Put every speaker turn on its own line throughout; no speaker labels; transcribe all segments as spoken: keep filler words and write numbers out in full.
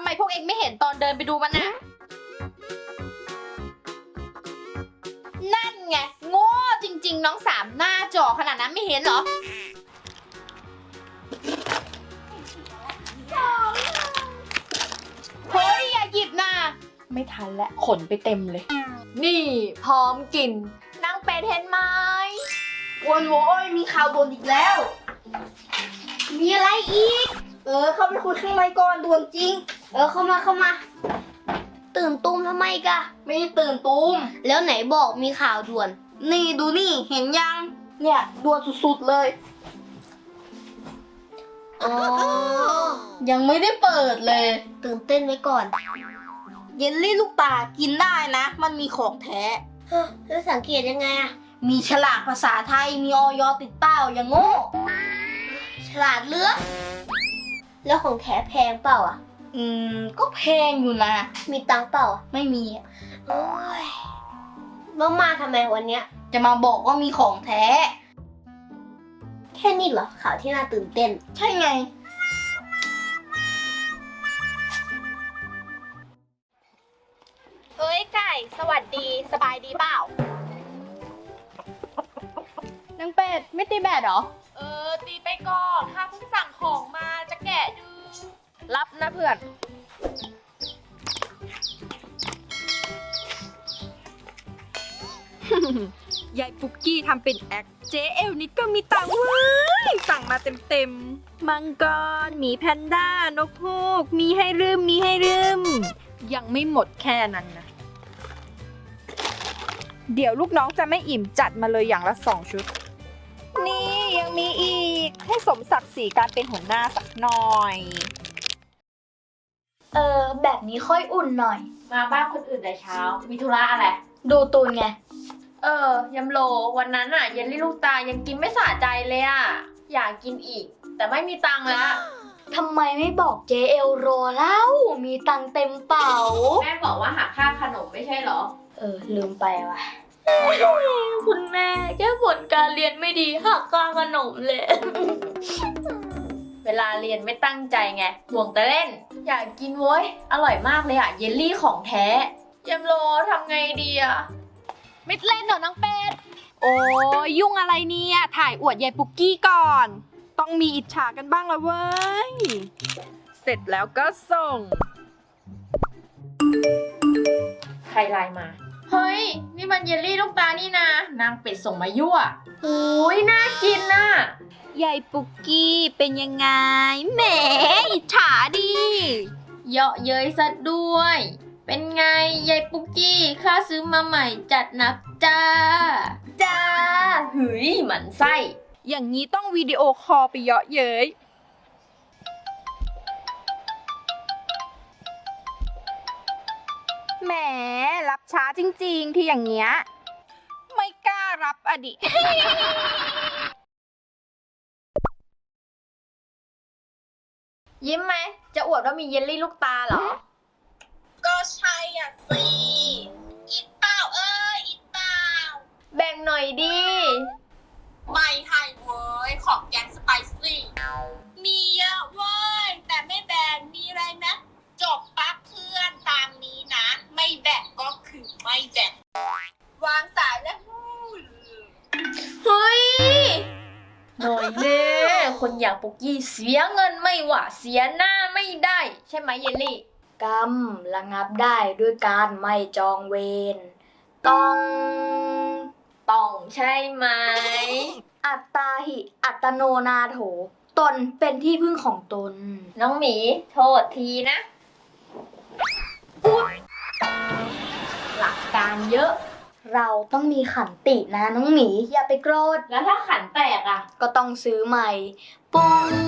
มพวกเองไม่เห็นตอนเดินไปดูมันน่ะนั่นไงโง่จริงๆน้องสามหน้าจอขนาดนั้นไม่เห็นเหรอเฮ้ยอย่าหยิบนะไม่ทันแล้วขนไปเต็มเลยนี่พร้อมกินนั่งเป็ดเห็นไหมวนโว้ยมีข่าวด่วนอีกแล้วมีอะไรอีกเออเข้าไปคุยข้างในก่อนด่วนจริงเออเข้ามาเข้ามาตื่นตูมทำไมกะไม่ได้ตื่นตูมแล้วไหนบอกมีข่าวด่วนนี่ดูนี่เห็นยังเนี่ยด่วนสุดๆเลยอ๋อยังไม่ได้เปิดเลยตื่นเต้นไว้ก่อนเยลลี่ลูกตากินได้นะมันมีของแท้แล้วสังเกตยังไงอะมีฉลากภาษาไทยมีออยติดเต้าอย่างโง่ฉลาดเลือกแล้วของแท้แพงเปล่าอ่ะอืมก็แพงอยู่นะมีตังค์เปล่าไม่มีโอ้ยมามาทำไมวันเนี้ยจะมาบอกว่ามีของแท้แค่นี้เหรอข่าวที่น่าตื่นเต้นใช่ไงเอ้ยไก่สวัสดีสบายดีเปล่านางเป็ดไม่ตีแบดเหรอเออตีไปก่อนข้าเพิ่งสั่งของมาจะแกะดูรับนะเพื่อน
ยายปุกกี้ทำเป็นแอคเจ๊เอลนิดก็มีตังค์เว้ยสั่งมาเต็มๆมังกรหมีแพนด้านกฮูกมีให้ลืมมีให้ลืมยังไม่หมดแค่นั้นนะเดี๋ยวลูกน้องจะไม่อิ่มจัดมาเลยอย่างละสองชุดนี่ยังมีอีกให้สมศักดิ์ศรีการเป็นหัวหน้าสักหน่อย
เออแบบนี้ค่อยอุ่นหน่อยมาบ้านคนอื่นแต่เช้ามีธุระอะไรดูตูนไงเออยำโลวันนั้นอะเยลลี่ลูกตายังกินไม่สะใจเลยอะอยากกินอีกแต่ไม่มีตังค์แล้วทำไมไม่บอกเจเอลโรเล่ามีตังค์เต็มเป๋าแม่บอกว่าหักค่าขนมไม่ใช่เหรอเออลืมไปว่ะคุณแม่แค่ผลการเรียนไม่ดีหักค่าขนมเลยเวลาเรียนไม่ตั้งใจไงห่วงแต่เล่นอยากกินโว้ยอร่อยมากเลยอะเยลลี่ของแท้ยำโลทำไงดีอะไม่เล่นเหรอน้องเป็ด
โอ้ยยุ่งอะไรเนี่ยถ่ายอวดยายปุกกี้ก่อนต้องมีอิจฉากันบ้างละเว้ยเสร็จแล้วก็ส่ง
ใครไลน์มาเฮ้ยนี่มันเยลลี่ลูกตานี่นะนางเป็ดส่งมายั่วโอ้ยน่ากินน่ะ
ยายปุกกี้เป็นยังไงแหมอิจฉาดิ
เยาะเย้ยซะด้วยเป็นไงยายปุกกี้ข้าซื้อมาใหม่จัดหนักจ้าจ้าหืยหมันไส้
อย่างนี้ต้องวิดีโอคอลไปเยาะเย้ยแหมรับช้าจริงๆที่อย่างเงี้ยไม่กล้ารับอดี
ยิ้มไหมจะอวดว่ามีเยลลี่ลูกตาเหรอ
ก็ใช่อ่ะสิอีเต้าเอ้ยอีเต้า
แบ่งหน่อยดิ
ไม่ให้เว้ยของแกงสไปซี่มีเยอะเว้ยแต่ไม่แบ่งมีอะไรนะจบปั๊บเพื่อนตามนี้นะไม่แบ่งก็คือไม่แบ่งวางสายแล้ว
เฮ้ยหน่อยเน่คนอย่างปุกกี้เสียเงินไม่หว่าเสียหน้าไม่ได้ใช่ไหมเยลลี่กรรมระงับได้ด้วยการไม่จองเวรต้องต้องใช่ไหมอัตตาหิอัตโนนาโถตนเป็นที่พึ่งของตนน้องหมีโทษทีนะหลักการเยอะเราต้องมีขันตินะน้องหมีอย่าไปโกรธแล้วถ้าขันแตกอ่ะก็ต้องซื้อใหม่ปุ้ง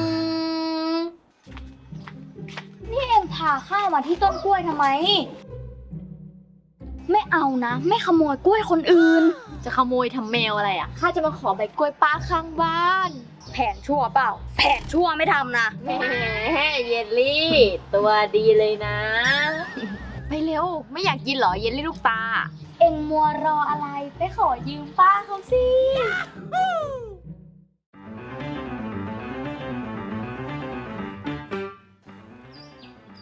นี่เอ็งพาข้ามาที่ต้นกล้วยทำไมไม่เอานะไม่ขโมยกล้วยคนอื่นจะขโมยทำแมวอะไรอ่ะข้าจะมาขอใบกล้วยป้าข้างบ้านแผนชั่วเปล่าแผนชั่วไม่ทำนะแหมเยลลี่ตัวดีเลยนะไปเร็วไม่อยากกินเหรอเยลลี่ลูกตาเอ็งมัวรออะไรไปขอยืมป้าเขาสิ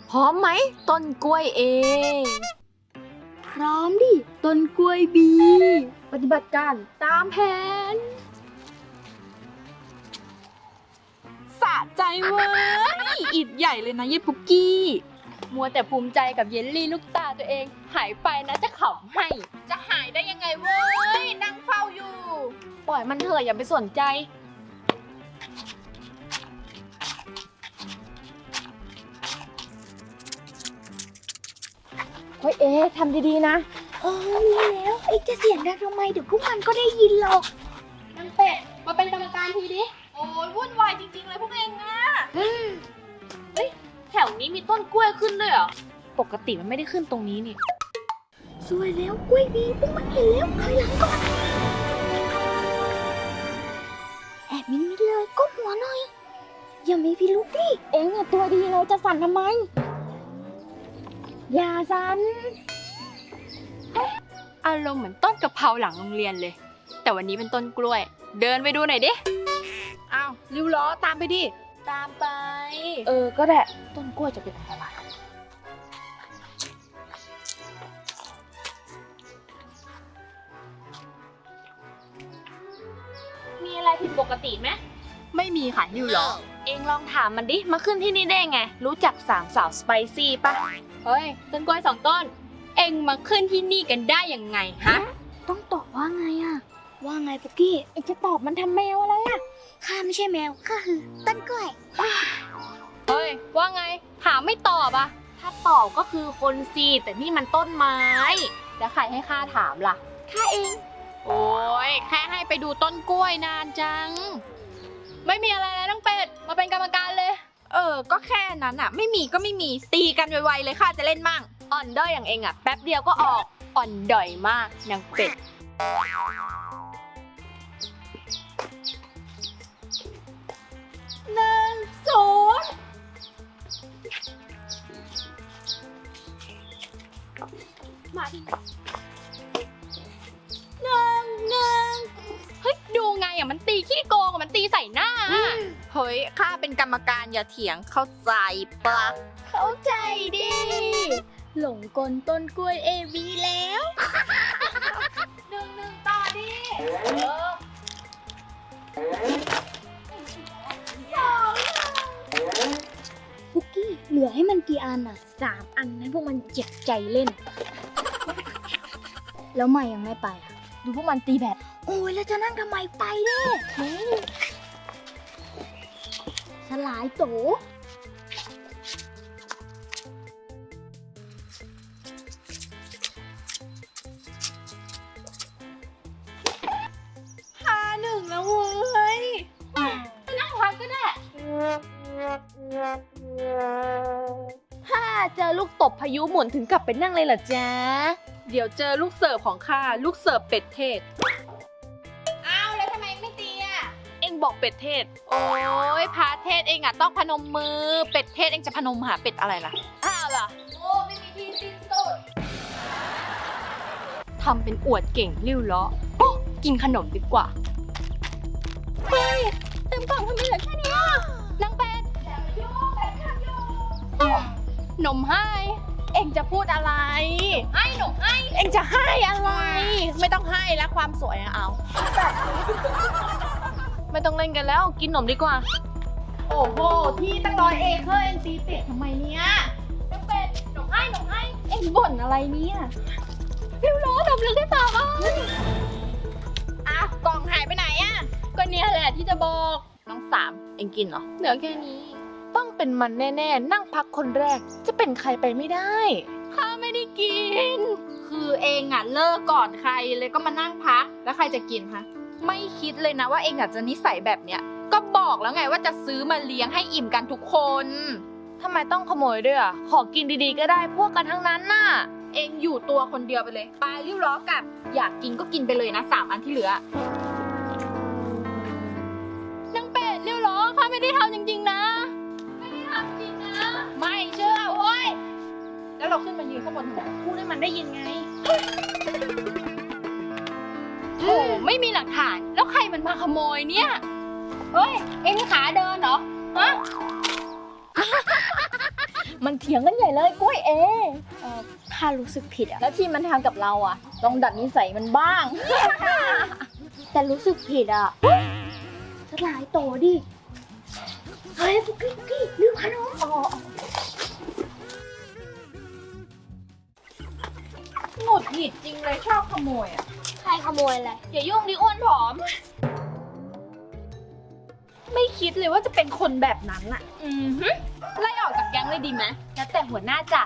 พร้อมไหมต้นกล้วยเอง
พร้อมดิ ต้นกล้วยบี ปฏิบัติการตามแผน สะใจเว้ย อิดใหญ่เลยนะเย้ปุกกี้ มัวแต่ภูมิใจกับเยลลี่ลูกตาตัวเอง หายไปนะจะขำให้
จะหายได้ยังไงเว้ย นั่งเฝ้าอยู่ ปล่อยมันเถอะอย่าไปสนใจ
เฮ้ยเอ๊ะทำดีๆนะ
เออรู้แล้วไอ้จะเสียงดังทำไมเดี๋ยวพวกมันก็ได้ยินหรอก
นางเป็ด มาเป็นกรรมการทีดิ
โอ้ยวุ่นวายจริงๆเลยพวกเองอะ
แถวนี้มีต้นกล้วยขึ้นด้วยเหรอ ปกติมันไม่ได้ขึ้นตรงนี้นี่
สวยแล้วกล้วยบีพวกมันเห็นแล้วถอยหลังก่อน แอบมิดมิดเลยก้มหัวหน่อย อย่ามีพิรุธดิ
เอ็งอะตัวดีเลยจะสั่นทำไม อย่าสั่นอารมณ์เหมือนต้นกะเพราหลังโรงเรียนเลย แต่วันนี้เป็นต้นกล้วย เดินไปดูหน่อยดิ
อ้าวริ้วล้อตามไปดิ
ตามไป
เออ ก็ได้ ต้นกล้วยจะเป็นอะไร มีอะไรผิดปกติไหม
ไม่มีค่ะนิวล้อ
เองลองถามมันดิ มาขึ้นที่นี่ได้ไง รู้จักสามสาวสไปซี่ปะ
เฮ้ย ต้นกล้วยสองต้น เอ็งมาขึ้นที่นี่กันได้ยังไงฮะ
ต้องตอบว่าไงอะว่าไงปุกกี้
เอ็งจะตอบมันทำแมวอะไรอะ
ข้าไม่ใช่แมวข้าคือต้นกล้วย
เฮ้ย ว่าไง ถามไม่ตอบอะ
ถ้าตอบก็คือคนซีแต่นี่มันต้นไม้
แล้วใครให้ข้าถามล่ะ
ข้าเอง
โอ้ยแค่ให้ไปดูต้นกล้วยนานจัง ไม่มีอะไรแล้วน้องเป็ด มาเป็นกรรมการเลย
เออ ก็แค่นั้นอะไม่มีก็ไม่มี ตีกันไวๆเลยค่ะจะเล่นมั่ง
อ่อนด้อยอย่างเองอะแป๊บเดียวก็ออก อ่อนด้อยมากนางเป็ด หนึ่งศูนย์มาดิหนึ่งหนึ่งเฮ้ย ดูไงอะมันตีขี้โกงอะมันตีใส่หน้าอะ
เฮ้ย ข้าเป็นกรรมการอย่าเถียงเข้าใจปะ
เข้าใจดิ หลงกลต้นกล้วยเอวีแล้ว
หนึ่งหนึ่งต่อดิ
ปุกกี้เหลือให้มันกี่อันอะสามอันให้พวกมันเจ็บใจเล่น แล้วใหม่ยังไม่ไปอะ
ดูพวกมันตีแบบ
โอ้ยแล้วจะนั่งทำไมไปเด้เฮ้ยสลายโต
ห้าหนึ่งแล้วเว้ย
นั่งพักก็ได้
ถ้าเจอลูกตบพายุหมุนถึงกลับไปนั่งเลยเหรอจ๊ะ
เดี๋ยวเจอลูกเสิร์ฟของข้า ลูกเสิร์ฟเป็ดเทศ
อ้าวแล้วทำไมไม่ตีอะ
เอ็งบอกเป็ดเทศ
โอ้ยพาเทศเองอะต้องพนมมือ เป็ดเทศเองจะพนมหาเป็ดอะไรล่ะ
อ้าวล่ะ
โอ้ไม่มีที่สิ้นสุด
ทำเป็นอวดเก่งริ้วล้อโอ๊ะกินขนมดีกว่า เฮ้ย เต็มกล่องทำไมเหลือแค่นี้อ่ะนางเป็ดหนมให้ เอ็งจะพูดอะไร
ให้หนูให้
เอ็งจะให้อะไร
ไม่ต้องให้แล้วความสวยอะเอา
ไม่ต้องเล่นกันแล้ว กินขนมดีกว่า
โอ้โห ที่ตั้งร้อยเอเคอร์เองตีเป็ดทำไมเนี่ย
น้องเป็ดหนูให้หนูให้
เอ็งบ่นอะไรเนี่ยริ้วล้อหนมลึกได้เปล่าอ่ะ
อ้าวกล่องหายไปไหนอะ
ก็เนี่ยแหละที่จะบอก
น้องสามเองกินเหรอ
เหลือแค่นี้
ต้องเป็นมันแน่ๆ นั่งพักคนแรก จะเป็นใครไปไม่ได้
ข้าไม่ได้กิน
คือเองอะเลิกก่อนใครเลยก็มานั่งพัก แล้วใครจะกินคะไม่คิดเลยนะว่าเองอาจจะนิสัยแบบเนี้ย ก็บอกแล้วไงว่าจะซื้อมาเลี้ยงให้อิ่มกันทุกคน
ทำไมต้องขโมยด้วยอ่ะ ขอกินดีๆก็ได้พวกกันทั้งนั้นน่ะ
เองอยู่ตัวคนเดียวไปเลยปลาริ้วล้อกลับ อยากกินก็กินไปเลยนะสามอันที่เหลือ
นางเป็ดริ้วล้อข้าไม่ได้ทำจริงๆนะ ไม่ได้ทำจริงนะ
ไม่เชื่อเว้ย แล้วเราขึ้นมายืนข้างบนทำไมพูดให้มันได้ยินไง
โอ้ไม่มีหลักฐาน แล้วใครมันมาขโมยเนี่ย เฮ้ย เอ็งขาเดินเหรอ ฮะ
มันเถียงกันใหญ่เลยกล้วยเอ
เออข้ารู้สึกผิดอะ
แล้วที่มันทำกับเราอ่ะลองดัดนิสัยมันบ้าง
แต่รู้สึกผิดอะสลายโตดิ เฮ้ยปุกกี้ปุกกี้ลืมขนม
หงุดหงิดจริงเลยชอบขโมยอ่ะ
ใครขโมยอะไร
อย่ายุ่งดิอ้วนผอม ไม่คิดเลยว่าจะเป็นคนแบบนั้นอ่ะ อืมฮึไล่ออกจากแก๊งเลยดีไหมแล้วแต่หัวหน้าจ้ะ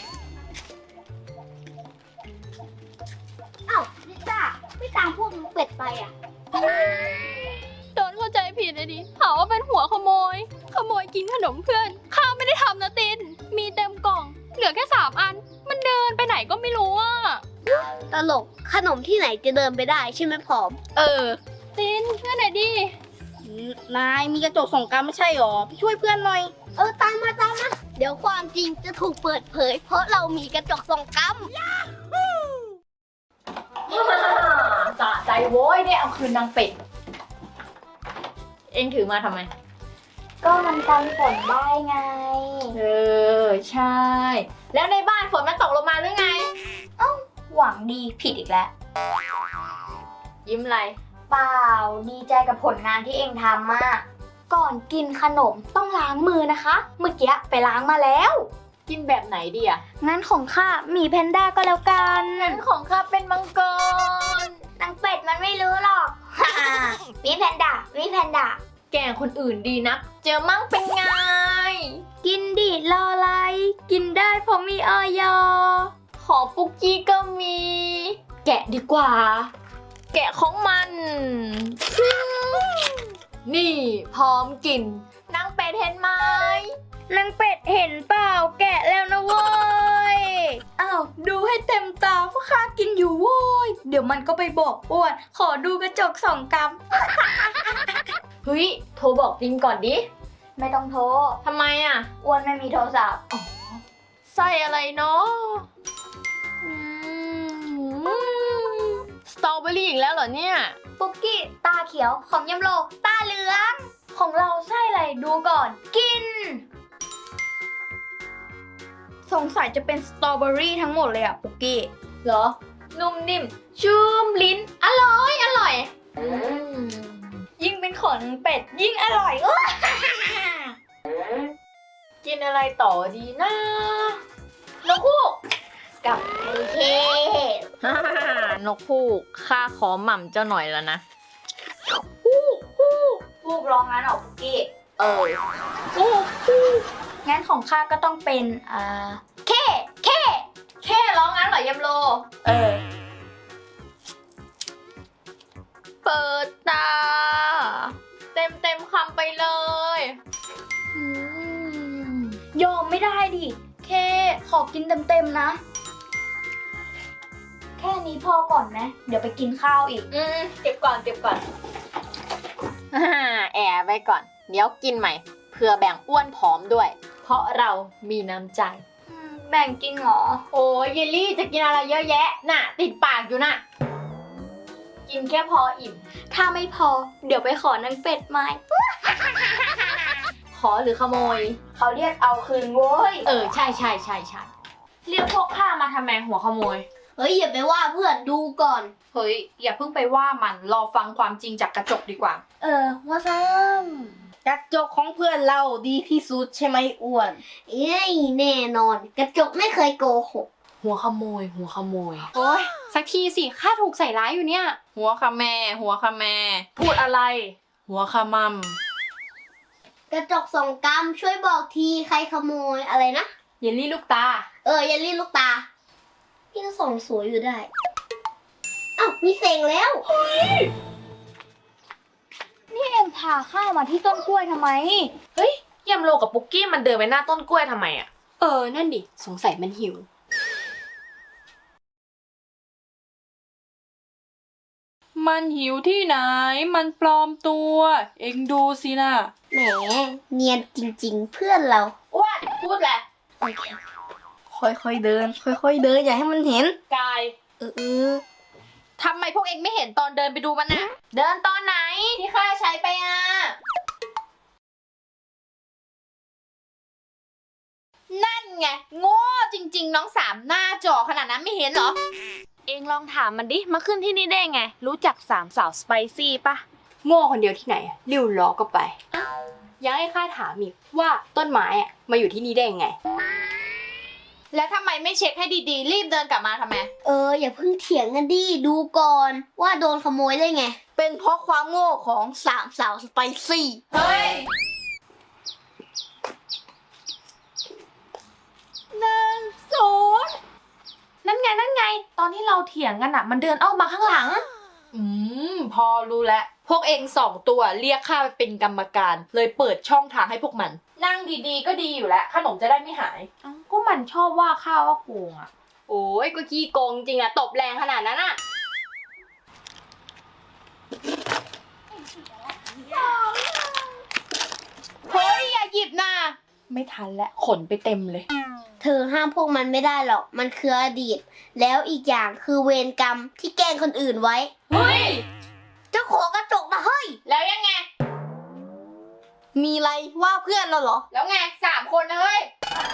อ้าวลิซ่าไม่ตามพวกน้องเป็ดไปอะ
โดนเข้าใจผิดเลยดิหาว่าเป็นหัวขโมย ขโมยกินขนมเพื่อน ข้าไม่ได้ทำนะติน มีเต็มกล่อง เหลือแค่สามอัน มันเดินไปไหนก็ไม่รู้อ่ะ
ตลกขนมที่ไหนจะเดินไปได้ใช่ไหมผอม
เออ ตินช่วยหน่อยดิ
นายมีกระจกส่องกรรมไม่ใช่หรอไปช่วยเพื่อนหน่อย
เออตามมาตามมาเดี๋ยวความจริงจะถูกเปิดเผย เพราะเรามีกระจกส่องกรรม
สะใจโว้ยได้เอาคืนนางเป็ด เอ็งถือมาทำไม
ก็มันกันฝนได้ไง
เออ ใช่ แล้วในบ้านฝนมันตกลงมาหรือไง
หวังดีผิดอีกแล้ว
ยิ้มอะไร
เปล่าดีใจกับผลงานที่เองทำมากก่อนกินขนมต้องล้างมือนะคะ เมื่อกี้ไปล้างมาแล้ว
กินแบบไหนดีอ่ะ
งั้นของข้าหมีแพนด้าก็แล้วกัน
งั้นของข้าเป็นมังกร
นางเป็ดมันไม่รู้หรอก หมีแพนด้าหมีแพนด้า
แก่คนอื่นดีนะ เจอมั่งเป็นไง
กินดิรออะไร กินได้เพราะมีออย
ของปุกกี้ก็มี แกะดีกว่า แกะของมัน นี่พร้อมกินนางเป็ดเห็นไหม
นางเป็ดเห็นเปล่าแกะแล้วนะเว้ย อ้าวดูให้เต็มตาเพราะข้ากินอยู่โว้ย เดี๋ยวมันก็ไปบอกอ้วน ขอดูกระจกสองกำ
เฮ้ย โทรบอกตินก่อนดิ
ไม่ต้องโทร
ทำไมอ่ะ
อ้วนไม่มีโทรศัพท์
ใส่อะไรเนาะสตรอเบอรี่อีกแล้วเหรอเนี่ย
ปุกกี้ตาเขียวของยำโลตาเหลือง ของเราไส้อะไรดูก่อน กิน สงสัยจะเป็นสตรอเบอรี่ทั้งหมดเลยอะปุกกี้
เหรอ นุ่มนิ่ม ชุ่มลิ้น อร่อย อร่อยอืม
ยิ่งเป็นขนเป็ดยิ่งอร่อยอ้ว
กินอะไรต่อดีนะนกคู่
กับไอเค
นกคู่ข้าขอหม่ำเจ้าหน่อยแล้วนะ
พูกร้องงั้นเหรอปุกกี้
เออ
งั้นของข้าก็ต้องเป็น อ่า เค เค
แค่ร้องงั้นเหรอยำโล
เออ
เปิดตา เต็มเต็มคำไปเลย
ยอมไม่ได้ดิ เค ขอกินเต็มๆนะ แค่นี้พอก่อนไหมเดี๋ยวไปกินข้าวอีก
อืมเก็บก่อนเก็บก่อน อ่าแอบไว้ก่อน เดี๋ยวกินใหม่ เพื่อแบ่งอ้วนผอมด้วย เพราะเรามีน้ำใจ
แบ่งกินเหรอ
โอ้ยเยลลี่จะกินอะไรเยอะแยะ น่ะ ติดปากอยู่น่ะ กินแค่พออิ่ม
ถ้าไม่พอ เดี๋ยวไปขอนางเป็ดมา
ขอหรือขโมย
เขาเรียกเอาคืนโว้ย
เออ ใช่ใช่ใช่ใช่เรียกพวกข้ามาทำไมหัวขโมย
เฮ้ย อย่าไปว่าเพื่อนดูก่อน
เฮ้ย อย่าเพิ่งไปว่ามัน รอฟังความจริงจากกระจกดีกว่า
เออ ว่าซ้
กระจกของเพื่อนเราดีที่สุดใช่ไหมอ้วน
ำเอ้ยแน่นอน กระจกไม่เคยโกหก
หัวขโมย หัวขโมย
โอ้ยสักทีสิข้าถูกใส่ร้ายอยู่เนี่ย หัวขะแม่ หัวขะแม่
พูดอะไร
หัวขะมัม
กระจกสองกรัมช่วยบอกทีใครขโมยอะไรนะ
เยลลี่ลูกตา
เออ อย่ารีบลูกตา พี่ก็ส่องสวยอยู่ได้ อ้าว มีเสียงแล้ว นี่เอ็งพาข้ามาที่ต้นกล้วยทำไม
เฮ้ยยำโลกับปุกกี้มันเดินไปหน้าต้นกล้วยทำไมอ่ะ
เออ นั่นดิ สงสัยมันหิว มันหิวที่ไหน มันปลอมตัว เอ็งดูสินะ
แหม เนียนจริงๆ เพื่อนเรา
อ้วน พูดแหละ
โอเค
ค่อยๆเดิน ค่อยๆเดินอย่าให้มันเห็น
กาย
เออเออ
ทำไมพวกเอ็งไม่เห็นตอนเดินไปดูมันน่ะ
เดินตอนไหน ที่ข้าใช้ไปอ่ะ
นั่นไงโง่จริงๆน้องสามหน้าจอขนาดนั้นไม่เห็นเหรอ
เองลองถามมันดิ มาขึ้นที่นี่ได้ไง รู้จักสามสาวสไปซี่ปะ
โง่คนเดียวที่ไหนอะริ้วล้อก็ไปยังให้ข้าถามอีกว่าต้นไม้อะมาอยู่ที่นี่ได้ยังไง
แล้วทำไมไม่เช็คให้ดีๆ รีบเดินกลับมาทำไม
เอออย่าเพิ่งเถียงกันดิดูก่อนว่าโดนขโมยได้ไง
เป็นเพราะความโง่ของสามสาวสไปซี่
เฮ้ย
ศูนย์นั่นไงนั่นไง ตอนที่เราเถียงกันอะมันเดินอ้อมมาข้างหลัง
อืม พอรู้แล้ว พวกเองสองตัวเรียกข้าไปเป็นกรรมการ เลยเปิดช่องทางให้พวกมัน นั่งดีๆก็ดีอยู่แล้ว ขนมจะได้ไม่หาย
เอ้าก็มันชอบว่าข้าว่าโกงอะ
โอ้ยก็ขี้โกงจริงอะตบแรงขนาดนั้นอะ
เฮ้ย อย่าหยิบนะ
ไม่ทันแล้วขนไปเต็มเลย
เธอห้ามพวกมันไม่ได้หรอกมันคืออดีต แล้วอีกอย่างคือเวรกรรมที่แกล้งคนอื่นไว้
เฮ้ย
เจ้าของกระจกนะเฮ้ย
แล้วยังไง
มีอะไรว่าเพื่อนเราเหรอ
แล้วไงสามคนนะเฮ้ย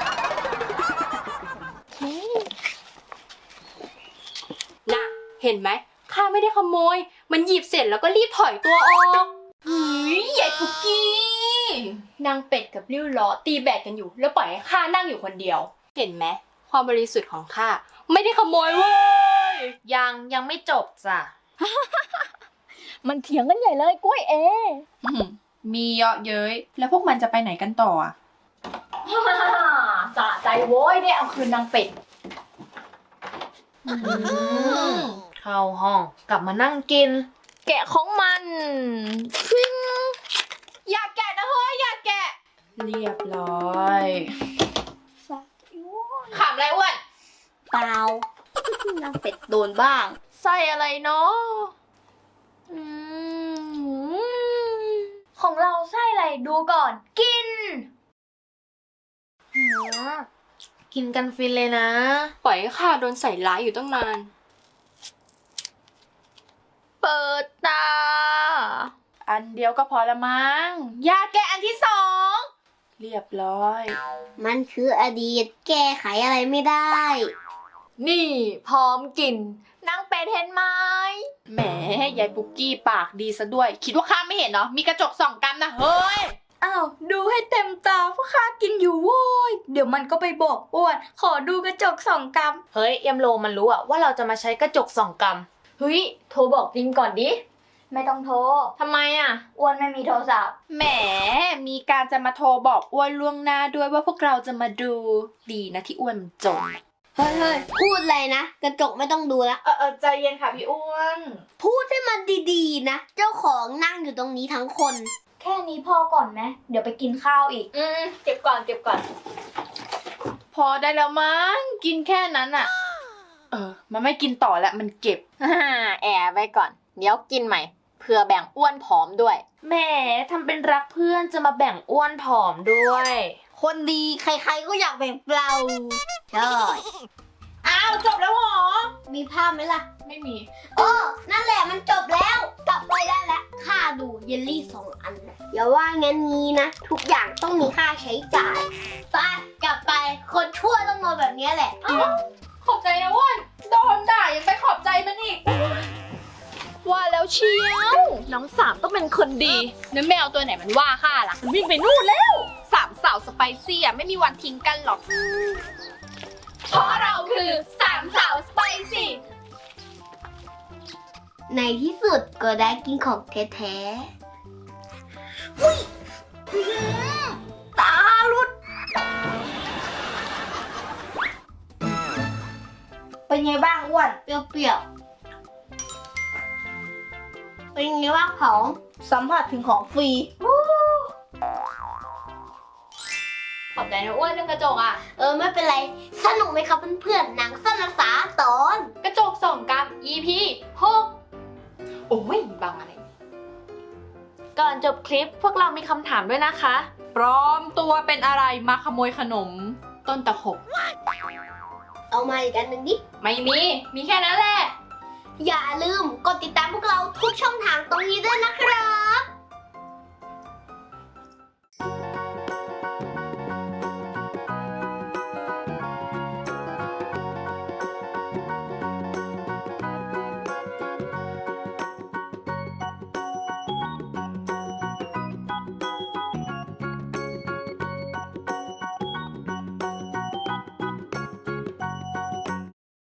น่ะ เห็นไหมข้าไม่ได้ขโมย มันหยิบเสร็จแล้วก็รีบถอยตัวออกเฮ้ยใหญ่ปุกกี้นางเป็ดกับริ้วล้อตีแบดกันอยู่ แล้วปล่อยให้ข้านั่งอยู่คนเดียว เห็นไหมความบริสุทธิ์ของข้าไม่ได้ขโมยเว้ย
ยังยังไม่จบจ้ะ
มันเถียงกันใหญ่เลยกล้วยเอมีเยอะเย้ย แล้วพวกมันจะไปไหนกันต่ออ่ะ
สะใจโว้ยเนี่ยเอาคืนนางเป็ดเข้าห้องกลับมานั่งกิน แกะของมันฟิง
อย่าแกะนะเฮ้ย อย่าแกะ
เรียบร้อย
ขำอะไรอ้วน
เปล่า นางเป็ดโดนบ้าง
ใส่อะไรเนาะอืมของเราไส้อะไรดูก่อน กินหือกินกันฟินเลยนะ
ปล่อยให้ข้าโดนใส่ร้ายอยู่ตั้งนาน
เปิดตา
อันเดียวก็พอละมั้ง
อย่าแกะอันที่สอง
เรียบร้อย
มันคืออดีต แก้ไขอะไรไม่ได้
นี่พร้อมกินนางเป็ดเห็นไหม
แหมยายปุกกี้ปากดีซะด้วย คิดว่าข้าไม่เห็นเนาะ มีกระจกส่องกันนะเฮ้ย
อ้าว ดูให้เต็มตาพวกข้ากินอยู่โว้ย เดี๋ยวมันก็ไปบอกอ้วน ขอดูกระจกสองกำ
เฮ้ยยำโลมันรู้อะว่าเราจะมาใช้กระจกส่องกำเฮ้ยโทรบอกติมก่อนดิ
ไม่ต้องโทร
ทำไมอะ
อ้วนไม่มีโทรศัพท์
แหม มีการจะมาโทรบอกอ้วนล่วงหน้าด้วยว่าพวกเราจะมาดู ดีนะที่อ้วนมันจน
เฮ้ยเฮ้ยพูดอะไรนะ กระจกไม่ต้องดูละ
เออเออใจเย็นค่ะพี่อ้วน
พูดให้มันดีๆนะ เจ้าของนั่งอยู่ตรงนี้ทั้งคน
แค่นี้พอก่อนไหมเดี๋ยวไปกินข้าวอีก
อืมเก็บก่อนเก็บก่อน
พอได้แล้วมั้ง กินแค่นั้นอะเออ มันไม่กินต่อแล้วมันเก็บ
แอบไว้ก่อน เดี๋ยวกินใหม่เพื่อแบ่งอ้วนผอมด้วยแหมทำเป็นรักเพื่อนจะมาแบ่งอ้วนผอมด้วย
คนดีใครๆก็อยากแบ่งเราใช่
อ้าวจบแล้วเหรอ
มีภาพไหมล่ะ
ไม่มี
เออ นั่นแหละมันจบแล้ว กลับไปได้แล้ว ค่าดูเยลลี่สองอันนะอย่าว่างั้นงี้นะ ทุกอย่างต้องมีค่าใช้จ่าย ไป กลับไป คนชั่วต้องโดนแบบนี้แหละ
ขอบใจนะอ้วนโดนด่ายังไปขอบใจมันอีก
ว่าแล้วเชียวน้องสามต้องเป็นคนดีแล้วแมวตัวไหนมันว่าข้าล่ะมันวิ่งไปนู่นแล้ว
สามสาวสไปซี่อ่ะไม่มีวันทิ้งกันหรอก เพราะเราคือสามสาวสไปซี่
ในที่สุดก็ได้กินของแท้ๆ ตาลุด
เป็นไงบ้างอ้วน
เปรี้ยวๆ เป็นไงบ้างผอง
สัมผัสถึงของฟรี
ขอบใจนะอ้วนเรื่องกระจกอ่ะ
เออไม่เป็นไร สนุกไหมครับเพื่อนๆหนังสั้นภาษาตอน
กระจกส่องกรรม อี พี หก
โอ้ยบางอะไร
ก่อนจบคลิปพวกเรามีคำถามด้วยนะคะ
ปลอมตัวเป็นอะไรมาขโมยขนม ต้นตะขบ
เอามาอีกอันหนึ่งดิ
ไม่มี มีแค่นั้นแหละ
อย่าลืมกดติดตามพวกเราทุกช่องทางตรงนี้ด้วยนะครับ